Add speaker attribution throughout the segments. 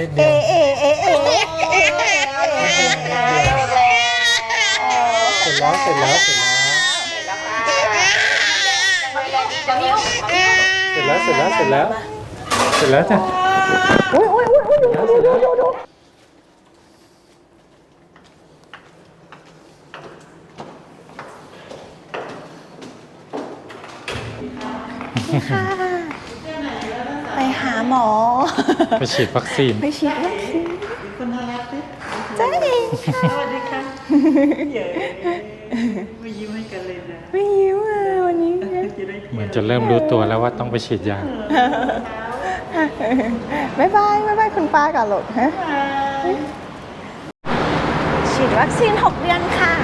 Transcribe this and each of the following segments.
Speaker 1: นิดเดียว
Speaker 2: เสร็จแล้วเสร็จแล้วเสร็จแล้วเสร็จแล้วเสร็จแล้วเสร็จแล้วเสร็จแล้วจ้ะเสร็จแล้วไปหาหมอ
Speaker 1: ไปฉีดวัคซีน
Speaker 2: ไปฉีดวัคซีน
Speaker 3: คนน่ารักดิ
Speaker 2: จ้าเองค่ะ
Speaker 3: สวัสดีค่ะเย้ไม่ยิ้มให้กันเลยนะ
Speaker 2: ไม่ยิ้มเลยวันนี้
Speaker 3: จะได้
Speaker 1: เหมือนจะเริ่มรู้ตัวแล้วว่าต้องไปฉีดยา
Speaker 2: บ๊ายบายคุณป้ากับลูกฮะฉีดวัคซีน6 เดือนค่ะ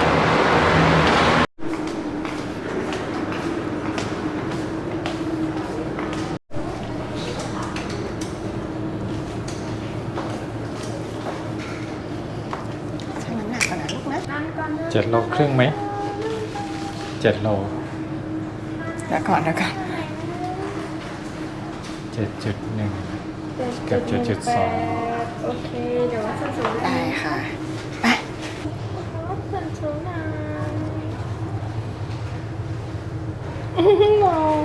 Speaker 2: ชั่งน้ำหนักก่อนนะลูกนะ
Speaker 1: 7 โลครึ่งไหม 7 โล
Speaker 2: เดี๋ยวก่อน
Speaker 1: 7.1 กับ 7.2
Speaker 4: โอเค เดี๋ยวว่าส่วนสูง
Speaker 2: ได้ค่ะ ไป
Speaker 4: ส่วนสูงนะมอง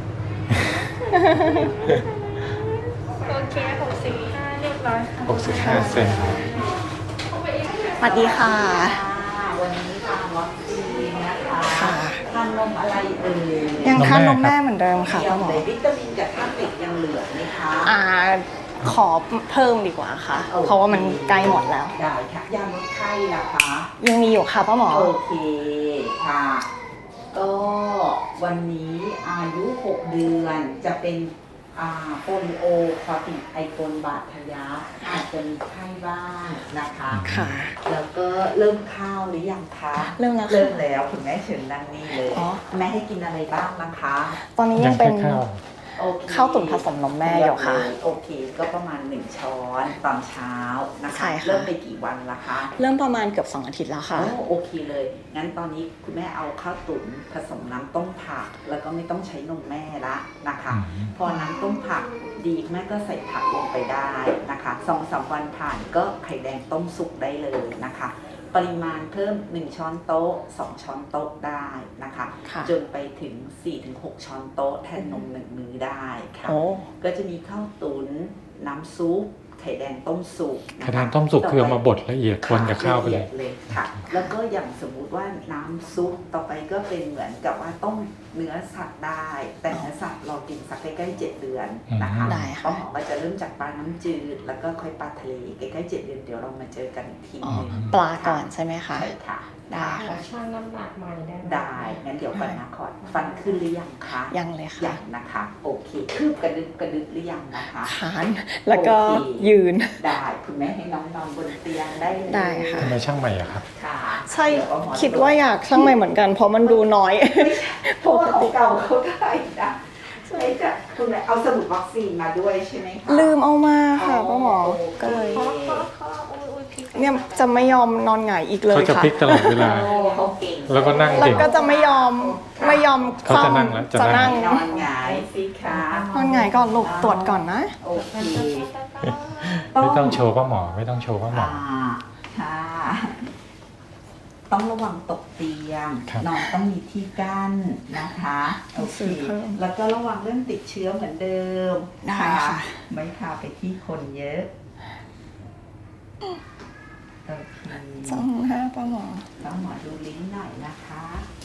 Speaker 4: โอเค65เรียบร้อยค่ะ
Speaker 1: 65 เซน
Speaker 2: สวัสดีค่ะ
Speaker 3: วันนี้ทานวัคซีนนะคะ
Speaker 2: ค่ะ
Speaker 3: ทานนมอะไรเอ่ย
Speaker 2: ยังทานนมแม่เหมือนเดิมค่ะป้าหมอ
Speaker 3: เดี๋ยววิตามินกับธาตุเหล็กยังเหลือไหมคะ
Speaker 2: ขอเพิ่มดีกว่าค่ะ เพราะว่ามันใกล้หมดแล้ว
Speaker 3: ได้ค่ะยาลดไข้นะคะ
Speaker 2: ยังมีอยู่ค่ะป้าหมอ
Speaker 3: โอเคค่ะ ก็วันนี้อายุ 6 เดือนจะเป็นโปลิโอคอติดไอโคนบาดทะยักอาจจะมีไข้บ้างนะคะ
Speaker 2: ค่ะ
Speaker 3: แล้วก็เริ่มข้าวหรือยังคะ
Speaker 2: เริ่มแล้วค่ะ
Speaker 3: เริ่มแล้วคุณแม่เชิญนั่งนี่เลย
Speaker 2: อ๋อ
Speaker 3: แม่ให้กินอะไรบ้างนะคะ
Speaker 2: ตอนนี้
Speaker 1: ยั
Speaker 2: ยัง ง
Speaker 1: แค่
Speaker 2: เป็น
Speaker 1: ข้าว
Speaker 3: โอเค
Speaker 2: ข้าวตุ๋นผสมนมแม่อยู่ค่ะ
Speaker 3: โอเคก็ประมาณ1 ช้อนตอนเช้านะคะ
Speaker 2: ใช่ค่ะ
Speaker 3: เริ่มไปกี่วันละคะ
Speaker 2: เริ่มประมาณเกือบ2 อาทิตย์แล้วค่ะ
Speaker 3: โอเคเลย งั้นตอนนี้คุณแม่เอาข้าวตุ๋นผสมน้ำต้มผัก แล้วก็ไม่ต้องใช้นมแม่ละนะคะ พอน้ำต้มผักดีแม่ก็ใส่ผักลงไปได้นะคะ2-3 วันผ่านก็ไข่แดงต้มสุกได้เลยนะคะ ปริมาณเพิ่ม1 ช้อนโต๊ะ2 ช้อนโต๊ะได้นะคะ
Speaker 2: ค่ะ
Speaker 3: จนไปถึง 4-6 ช้อนโต๊ะแทนนม1 มื้อได้ค่ะ
Speaker 2: โอ้
Speaker 3: ก็จะมีข้าวตุ๋นน้ำซุปไข่แดงต้มสุกนะคะ
Speaker 1: ไข่แดงต้มสุกคือเอามาบดละเอียดคนกับข้าวไปเลย
Speaker 3: ละอีดเลยค่ะ แล้วก็อย่างสมมุติว่าน้ำซุปต่อไปก็เป็นเหมือนกับว่าต้มเนื้อสัตว์ได้ แต่เนื้อสัตว์เรากินสักใกล้ๆ7 เดือนนะคะ
Speaker 2: ได้ค่ะ
Speaker 3: ป้าหมอก็จะเริ่มจากปลาน้ำจืดแล้วก็ค่อยปลาทะเลใกล้ๆ7 เดือนเดี๋ยวเรามาเจอกันอีกที
Speaker 2: อ๋อ
Speaker 3: หนึง
Speaker 2: ปลาก่อนใช่ไหมคะ
Speaker 3: ใช่ค่ะ
Speaker 2: ได้ค่ะ
Speaker 4: ช่างน้ำหนักใหม่ได้ไหม
Speaker 3: ได้งั้นเดี๋ยวก่อนนะขอฟันขึ้นหรือยังคะ
Speaker 2: ยังเลยค่ะ
Speaker 3: ยังนะคะ โอเคคืบกระดึบหรือยังนะคะ
Speaker 2: ขานแล้วก็
Speaker 3: โอเค
Speaker 2: ยืน
Speaker 3: ได้คุณแม่ให้น้องนอนบนเตียงได้เลย
Speaker 2: ได้ค่ะ
Speaker 1: ทำไมช่างใหม่อะครับ
Speaker 3: ค่ะ
Speaker 2: ใช่
Speaker 3: เดี๋ยวเอหมอ
Speaker 2: คิดว่าอยากช่างใหม่เหมือนกัน เพราะมันดูน้อย
Speaker 3: ไม่ใช่เพราะว่าของเก่าเขาได้นะใช่จ้ะคุณแม่เอาสมุดวัคซีนมาด้วยใช่ไหมคะ
Speaker 2: ลืมเอามาค่ะป้าหมอ
Speaker 3: โอเค
Speaker 2: ก็เลย
Speaker 4: ข้ออุ้ยพลิก
Speaker 2: เนี่ยจะไม่ยอมนอนหงายอีกเลย
Speaker 1: เขาจะ
Speaker 2: ค่ะ
Speaker 1: พลิกตลอดเวลา
Speaker 3: โอ้เขาเก่ง
Speaker 1: แล้วก็นั่ง
Speaker 2: แล้ว
Speaker 1: เก่ง
Speaker 2: ก็จะไม่ยอม
Speaker 1: เขาจะ
Speaker 2: คว่ำ
Speaker 1: นั่งแล้วจะ
Speaker 2: จะ
Speaker 1: นั่
Speaker 2: นั่
Speaker 1: ง
Speaker 2: ง
Speaker 3: นอนหงายสิคะ
Speaker 2: นอนหงายก่อนลูกตรวจก่อนนะ
Speaker 3: โอเค
Speaker 1: ไม่ต้องโชว์ป้าหมอไม่ต้องโชว์ป้าหมอ
Speaker 3: ค่ะ ต้องระวังตกเตียง
Speaker 1: ครับ
Speaker 3: นอนต้องมีที่กั้นนะคะโอเค
Speaker 2: ซื้อเพิ่ม
Speaker 3: แล้วก็ระวังเรื่องติดเชื้อเหมือนเดิม
Speaker 2: ได้ค่ะ
Speaker 3: ไม่พาไปที่คนเยอะโอเค
Speaker 2: จ้องหน้าป้าหมอ
Speaker 3: ต้องหมอดูลิ้นหน่อยนะคะ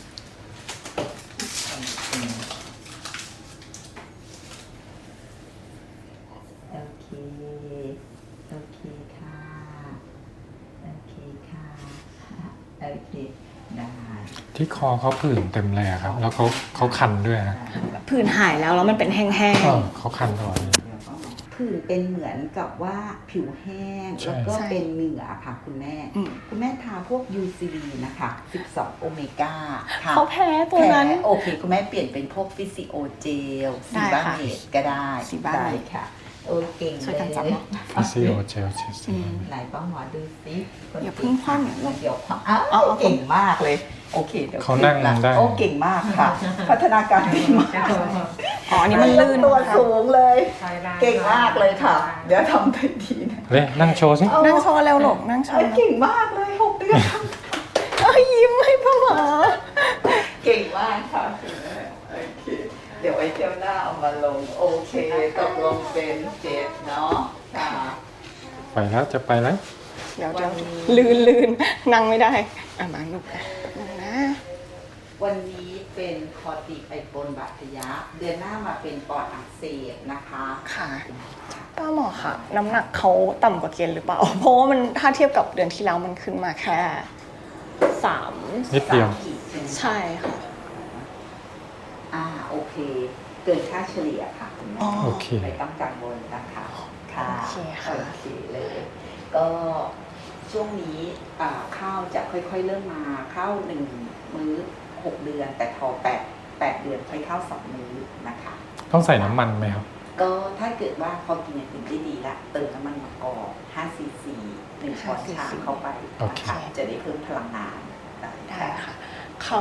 Speaker 3: โอเคโอเคค่ะโอเคค่ะโอเคได้
Speaker 1: ที่คอเขาผื่นเต็มเลยอะครับ แล้วเขาคันด้วยนะ
Speaker 2: ผื่นหายแล้วมันเป็นแห้ง
Speaker 1: เขาคันตลอดเลย
Speaker 3: ผื่นเป็นเหมือนกับว่าผิวแห้ง
Speaker 1: ใช่
Speaker 3: แล้วก็เป็นเหงื่อค่ะคุณแม่
Speaker 2: อืม
Speaker 3: คุณแม่ทาพวก UCV นะคะ12 โอเมก้าค่ะ
Speaker 2: เขาแพ้ตัวนั้น
Speaker 3: แพ้โอเค คุณแม่เปลี่ยนเป็นพวกฟิสิโอเจล
Speaker 2: ได้
Speaker 3: ซีบา
Speaker 2: ค่ะ
Speaker 3: เมดก็ได้
Speaker 2: ซีบาเมด
Speaker 3: ได้ค่ะ โอเค
Speaker 2: ช่วยกันจับ
Speaker 3: เล
Speaker 2: เนอะ
Speaker 1: ฟิซิโอเจลเชส
Speaker 2: อืม
Speaker 3: ไหนป้าหมอดูซิ
Speaker 2: อย่าเพิ่งคว่ำอย่าเพิ่ง
Speaker 3: เดี๋ยวคว่ำอ้าว
Speaker 2: เอา
Speaker 3: เก่งมากเลย โอเคเดี๋ยว
Speaker 1: เขานั่ง
Speaker 3: ละ
Speaker 1: ได้
Speaker 3: โอ้เก่งมากค่ะ พัฒนาการดีมาก
Speaker 5: อ๋ออันนี้มันลื่น
Speaker 3: ตัว
Speaker 5: นะคะ
Speaker 3: สูงเลย เก่งมากเลยค่ะ เดี๋ยวทำได้ดีนะ
Speaker 1: เลยนั่งโชว์สิ
Speaker 5: นั่งโชว์แล้วหลกนั่งโชว์แล้ว
Speaker 3: เก่งมากเลย6 เดือน
Speaker 5: เอ้ยยิ้มให้พ่อหมอ
Speaker 3: เก่งมากค่ะคุณแม่โอเคเดี๋ยวไว้เที่ยวหน้าเอามาลงโอเคตกลงเป็น7เนาะค่ะ
Speaker 1: ไปแล้วจะไปแล้ว
Speaker 5: เดี๋ยวลื่นนั่งไม่ได้มาลูกนั่งนะ
Speaker 3: วันนี้เป็นคอติไอโฟนบาดทะยักเดือนหน้ามาเป็นปอดอักเสบนะคะ
Speaker 5: ค่ะป้าหมอค่ะ น้ำหนักเขาต่ำกว่าเกณฑ์หรือเปล่า เพราะว่ามันถ้าเทียบกับเดือนที่แล้วมันขึ้นมาแค่3
Speaker 1: นิดเดียว
Speaker 3: 3 ขีดใช่ไหม
Speaker 5: ใช่ค่ะ
Speaker 3: โอเค เกินค่าเฉลี่ยค่ะคุณแม่
Speaker 5: อ๋อ
Speaker 1: โอเค
Speaker 3: ไม่ต้องกังวลนะคะค่ะ
Speaker 5: โอเคค่ะ
Speaker 3: โอเคเลย ก็ช่วงนี้ข้าวจะค่อยๆเริ่มมาข้าว1 มื้อ 6 เดือน แต่พอ8 เดือนค่อยเข้า2 มื้อนะคะ
Speaker 1: ต้องใส่น้ำมันไหมครับ
Speaker 3: ก็ถ้าเกิดว่าพอกินอย่างอื่นได้ดีละเติมน้ำมันมะกอก5 ซีซี1 ช้อนชาเข้าไป
Speaker 1: โอเค
Speaker 3: นะคะจะได้เพิ่มพลังงาน
Speaker 5: ได้ค่ะ เขา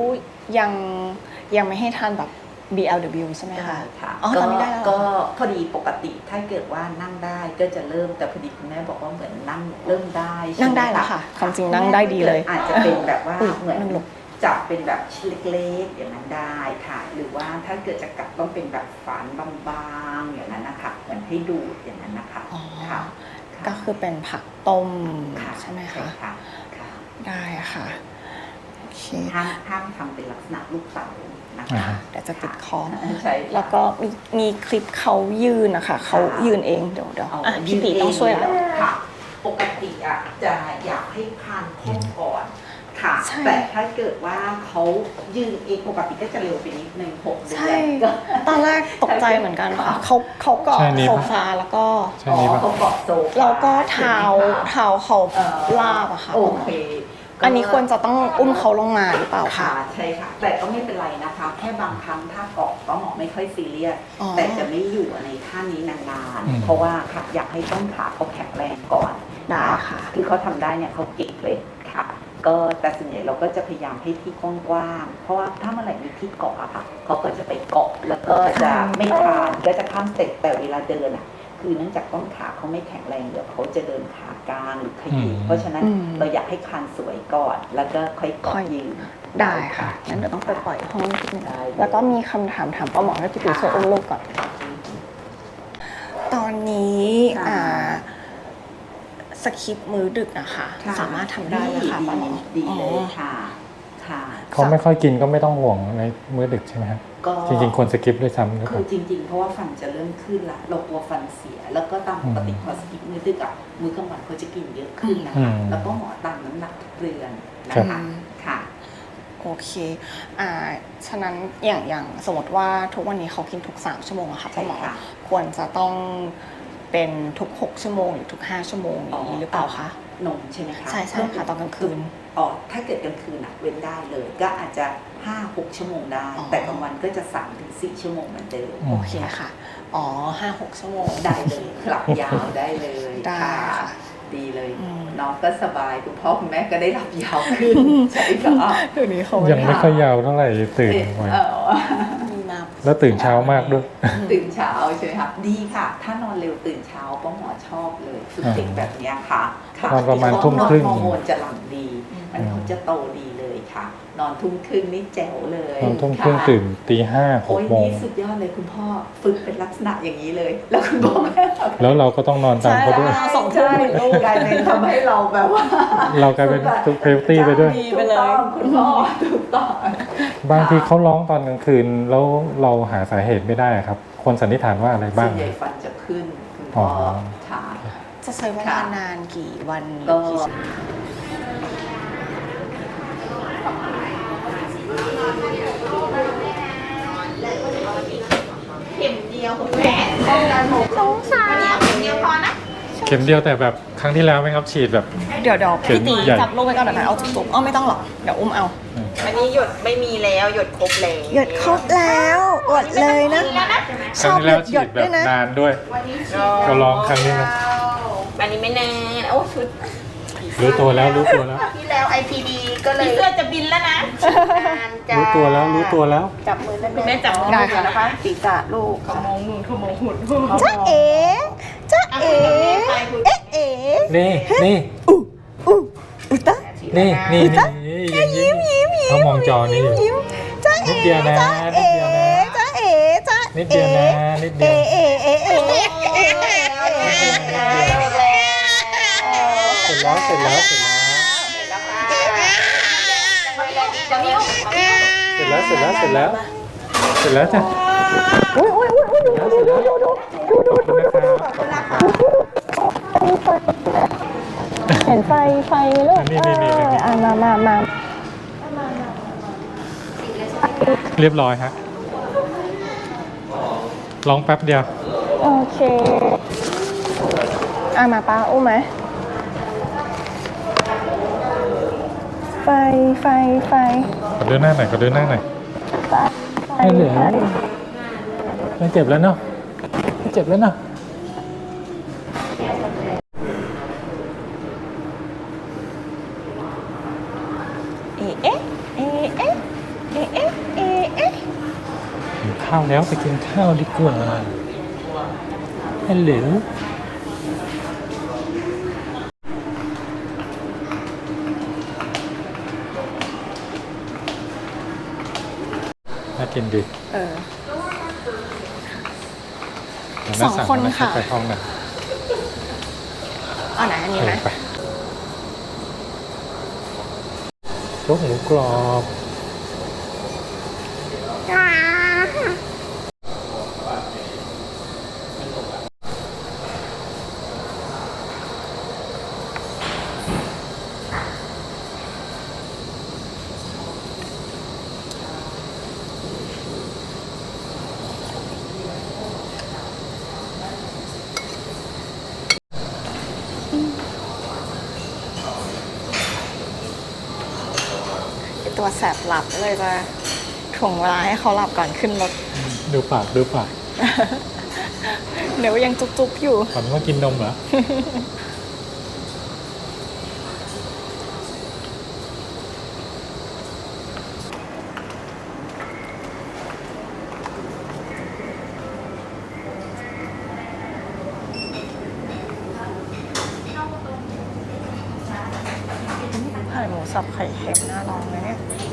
Speaker 5: ยังไม่ให้ทานแบบ BLW ใช่ไหม
Speaker 3: ได้
Speaker 5: คะ
Speaker 3: ค่ะ
Speaker 5: อ๋อตอนนี้ได้แล้วเหรอ
Speaker 3: ก็พอดีปกติถ้าเกิดว่านั่งได้ก็จะเริ่มแต่พอดีคุณแม่บอกว่าเหมือนนั่งเริ่มได้ใช่หม
Speaker 5: นั่งได้แล้วค่ะความจริงนั่งได้ดีเลย
Speaker 3: อาจจะเป็นแบบว่า
Speaker 5: อุ๊ย
Speaker 3: เหมือน
Speaker 5: นั่งลง
Speaker 3: จับเป็นแบบชิ้นเล็กๆอย่างนั้นได้ค่ะ หรือว่าถ้าเกิดจะกัดต้องเป็นแบบฝานบางๆอย่างนั้นนะคะเหมือนให้ดูดอย่างนั้นนะคะ
Speaker 5: อ๋อ
Speaker 3: ค่ะ
Speaker 5: ก็คือเป็นผักต้ม
Speaker 3: ค่ะ
Speaker 5: ใช่ไหมคะ
Speaker 3: ค่ะค่ะ
Speaker 5: ได้ค่ะโอเค
Speaker 3: ห้ามทำเป็นลักษณะลูกเต๋านะ
Speaker 1: อ่า
Speaker 3: คะ
Speaker 1: ฮะ
Speaker 5: เดี๋ยวจะติดคอ
Speaker 3: ใช่ค่ะ
Speaker 5: แล้วก็มีคลิปเขายืนนะคะเขายืนเองเดี๋ยว
Speaker 3: เอา
Speaker 5: พี่ตีต้องช่วยแล้ว
Speaker 3: ค่ะ ปกติอ่ะจะอยากให้คานแข้งก่อนค่ะ
Speaker 5: ใช่
Speaker 3: แต่ถ้าเกิดว่าเขายืนเองปกติก็จะเร็วไปนิดนึง6 เดือ
Speaker 5: ใช่
Speaker 3: นก็
Speaker 5: ตอนแรกตกใจเหมือนกันค่ะเขาเกาะ
Speaker 1: ใช่นี่
Speaker 5: โซ
Speaker 1: ปะ
Speaker 5: ฟาแล้วก็
Speaker 1: ใช่นี้ป่ะ
Speaker 3: เขาเกาะโซฟา
Speaker 5: แล้วก็เท้า
Speaker 3: ใช่ไหมคะ
Speaker 5: เขาลาบอะค่ะ
Speaker 3: โอเค
Speaker 5: อันนี้ควรจะต้องอุ้มเขาลงมาหรือเปล่า
Speaker 3: ค่ะ
Speaker 5: คะ
Speaker 3: ใช่ค่ะ แต่ก็ไม่เป็นไรนะคะ แค่บางครั้งถ้าเกาะก็หมอไม่ค่อยซีเรียส
Speaker 5: อ๋อ
Speaker 3: แต่จะไม่อยู่ในท่านี้นาน
Speaker 1: อืม
Speaker 3: ๆเพราะว่าค่ะอยากให้ต้นขาเขาแข็งแรงก่อน
Speaker 5: ได้ค่ะ
Speaker 3: คือเขาทำได้เนี่ยเขาเก่งเลยค่ะ ก็แต่ส่วนใหญ่เราก็จะพยายามให้ที่กว้างๆเพราะว่าถ้าเมื่อไหร่มีที่เกาะอะค่ะเขาก็จะไปเกาะแล้วก็จะไม่คลานก็จะข้ามสเต็ปแต่เวลาเดินอะคือเนื่องจากต้นขาเขาไม่แข็งแรงเดี๋ยวเขาจะเดินขากลางหรือขยี้เพราะฉะนั้นเราอยากให้คานสวยก่อนแล้วก็ค่อยเกาะยืน
Speaker 5: ได้ค่ะงั้นเดี๋ยวต้องไปปล่อยห้องนิดนึง
Speaker 3: ได้
Speaker 5: แล้วก็มีคำถามป้าหมอให้พี่ติ๋วช่วยอุ้มลูกก่อน ตอนนี้
Speaker 3: ค่ะ
Speaker 5: สคริปต์มื้อดึกนะคะ
Speaker 3: ค่ะ
Speaker 5: สามารถทำได้ไหมคะป้าหมอ
Speaker 3: ดีเลยค่ะค่ะ
Speaker 1: เขาไม่ค่อยกินก็ไม่ต้องห่วงในมื้อดึกใช่ไหมครับ
Speaker 3: ก็
Speaker 1: จริงๆควรสกิปด้วยซ้ำหรือเป
Speaker 3: คื
Speaker 1: ล่า
Speaker 3: อจริงๆ เพราะว่าฟันจะเริ่มขึ้นละเรากลัวฟันเสีย แล้วก็ตามปกติพอสกิปมื้อดึกอะมื้อกลางวันเขาจะกินเยอะขึ้นนะ
Speaker 1: อื
Speaker 3: คะ
Speaker 1: ม
Speaker 3: แล้วก็หมอตามน้ำหนักทุกเดือนนะ
Speaker 1: ครั
Speaker 3: คะ
Speaker 1: บ
Speaker 3: ค่ะ
Speaker 5: โอเคฉะนั้นอย่างสมมติว่าทุกวันนี้เขากินทุก3ชั่วโมงอะค่ะป้าหมอ
Speaker 3: ใช่ค่ะ
Speaker 5: ควรจะต้องเป็นทุก6ชั่วโมงหรือทุก5ชั่วโมงอย่างนี้หรือเปล่าคะ
Speaker 3: นมใช่ไหมคะ
Speaker 5: ใช่ค่ะตอนกลางคืน
Speaker 3: อ๋อถ้าเกิดกลางคืนอะเว้นได้เลย ก็อาจจะ 5-6 ชั่วโมงได้
Speaker 5: อ๋อ
Speaker 3: แต่กลางวันก็จะ 3-4 ชั่วโมงเหมือนเดิม
Speaker 5: โอเคค่ะ อ๋อ5-6 ชั่วโมง
Speaker 3: ได้เลยหลับยาวได้เลย
Speaker 5: ได้
Speaker 3: ค่ะ
Speaker 5: ค่ะ
Speaker 3: ดีเลย
Speaker 5: อืม
Speaker 3: น้องก็สบายคุณพ่อคุณแม่ก็ได้หลับยาวขึ้นใช่ค่ะ
Speaker 5: เดี๋ยวนี้เขา
Speaker 1: ยังไม่ค่อยยาวเท่าไหร่ตื่นไว
Speaker 5: มีมา
Speaker 1: แล้วตื่นเช้ามากด้วย
Speaker 3: ตื่นเช้าใช่ไหมคะดีค่ะ ถ้านอนเร็วตื่นเช้าป้าหมอชอบเลยฝึกเด็กแบบเนี้ยค่ะค่ะ
Speaker 1: นอนประมาณทุ่มครึ่ง
Speaker 3: ฮอร์โมนจะหลั่งดี มันเขาจะโตดีเลยค่ะ นอนทุ่มครึ่งนี่แจ๋วเลย
Speaker 1: ตอนทุ่มครึ่ง
Speaker 3: ค่ะ
Speaker 1: ตื่นตีห้าห
Speaker 3: โอ้
Speaker 1: ก
Speaker 3: ย
Speaker 1: โมง
Speaker 3: นี่สุดยอดเลยคุณพ่อฝึกเป็นลักษณะอย่างนี้เลย แล้วคุณพ่อแม่
Speaker 1: แล้วเราก็ต้องนอนตามเขาด้วย
Speaker 5: สองทุ่มเหมือนลูก
Speaker 3: กลายเป็นทำให้เราแบบว่า
Speaker 1: เรากลายเป็นเพลตี้ไปด้วย
Speaker 3: ถูกต้องคุณพ่อถูกต้อง
Speaker 1: บางทีเขาร้องตอนกลางคืนแล้วเราหาสาเหตุไม่ได้ครับคนสันนิษฐานว่าอะไร
Speaker 3: ส่
Speaker 1: บ้า
Speaker 3: ว
Speaker 1: ง
Speaker 3: นใหญ่ฟันจะขึ้นคุณพ่ออ
Speaker 1: อ
Speaker 3: ค่ะ
Speaker 5: จะใช้เวลานานกี่วัน
Speaker 3: ก็
Speaker 5: กี่ชั่วโมง
Speaker 3: เข็มเดียวคุณแม่ป้องกันหก
Speaker 5: สงสาร
Speaker 3: เข็มเดียวพอนะ
Speaker 1: เข็มเดียวแต่แบบครั้งที่แล้วไหมครับฉีดแบบ
Speaker 5: เดี๋ยว
Speaker 1: เข็ม
Speaker 5: พี่ตี
Speaker 1: ใหญ่
Speaker 5: จับลูกไว้ก่อนเดี๋ยวเอาจุกๆไม่ต้องหรอกเดี๋ยวอุ้มเอา
Speaker 6: อันนี้หยดไม่มีแล้วหยดครบแล้ว
Speaker 5: หยดครบแล้วอดเลยนะ
Speaker 1: ครั้งที่แล้วฉีดแบบนานด้วย ก็ร้องครั้งนี้นะ
Speaker 6: อันนี้ไม่แน่โอ้ชุด
Speaker 1: รู้ตัวแล้วรู้ตัวแล้ว
Speaker 6: ที่แล้ว IPD ก็เลย
Speaker 4: พี่เสื้อจะบินแล้วนะ
Speaker 6: งานจ้า
Speaker 1: รู้ตัวแล้วรู้ตัวแล้ว
Speaker 6: จับมือแล้ว
Speaker 4: คุณแม่จับมือ
Speaker 5: ได้ค่ะ
Speaker 6: นะคะศีรษะลูก
Speaker 4: เขามองนู่นเขามองหุ่น
Speaker 5: จ้าเอ๋จ้าเอ๋เอ๊ะเอ๋
Speaker 1: นี่นี่
Speaker 5: อุตะ
Speaker 1: นี่นี่นี่ยิ้มเขามองจอนี้อยู่
Speaker 5: ยิ้มจ้า
Speaker 1: นิ
Speaker 5: เอ๋
Speaker 1: ดเดียวนะ
Speaker 5: จ้า
Speaker 1: นิด
Speaker 5: เอ๋
Speaker 1: เดียวนะ
Speaker 5: จ้าเอ๋จ้า
Speaker 1: นิดเดียวนะนิดเดียว
Speaker 5: เอ๋เอ๋เอ๋เอ๋
Speaker 1: เสร็จแล้วเสร็จแล้วเสร็จแล้วเสร็จแล้วเสร็จแล้วเสร็จแล้วเสร็จแล้วจ้ะเสร็จแล้วเสร็จแล้วขอบคุณนะครับ
Speaker 5: เห็นไฟลูก
Speaker 1: นี่
Speaker 5: มา
Speaker 1: เรียบร้อยฮะลองแป๊บเดียว
Speaker 5: โอเคมาป้าอุ้มไหมไฟ
Speaker 1: ขอดูหน้าหน่อยขอดูหน้าหน่อย
Speaker 5: ไฟ
Speaker 1: ไม่เหลือไม่เจ็บแล้วเนาะไม่เจ็บแล้วเนาะ
Speaker 5: เอ๊ะ
Speaker 1: กินข้าวแล้วไปกินข้าวดีกว่าฮัลโหลน่ากินดี เดี๋ยวแม่
Speaker 5: สองคน
Speaker 1: แล้ว
Speaker 5: ค่ะ
Speaker 1: ไปห้องหน่อย
Speaker 5: เอาไหนอันนี้ไหม
Speaker 1: ไปโจ๊กหมูกรอบ
Speaker 5: ตัวแสบหลับเลยจะถ่วงเวลาให้เขาหลับก่อนขึ้นรถ
Speaker 1: ดูปากดูปาก
Speaker 5: เดี๋ยวยังจุ๊บๆอยู่
Speaker 1: ฝันว่ากินนมเหรอ
Speaker 5: ไข่หมูสับไข่เค็มน่าลองเลยเนี่ย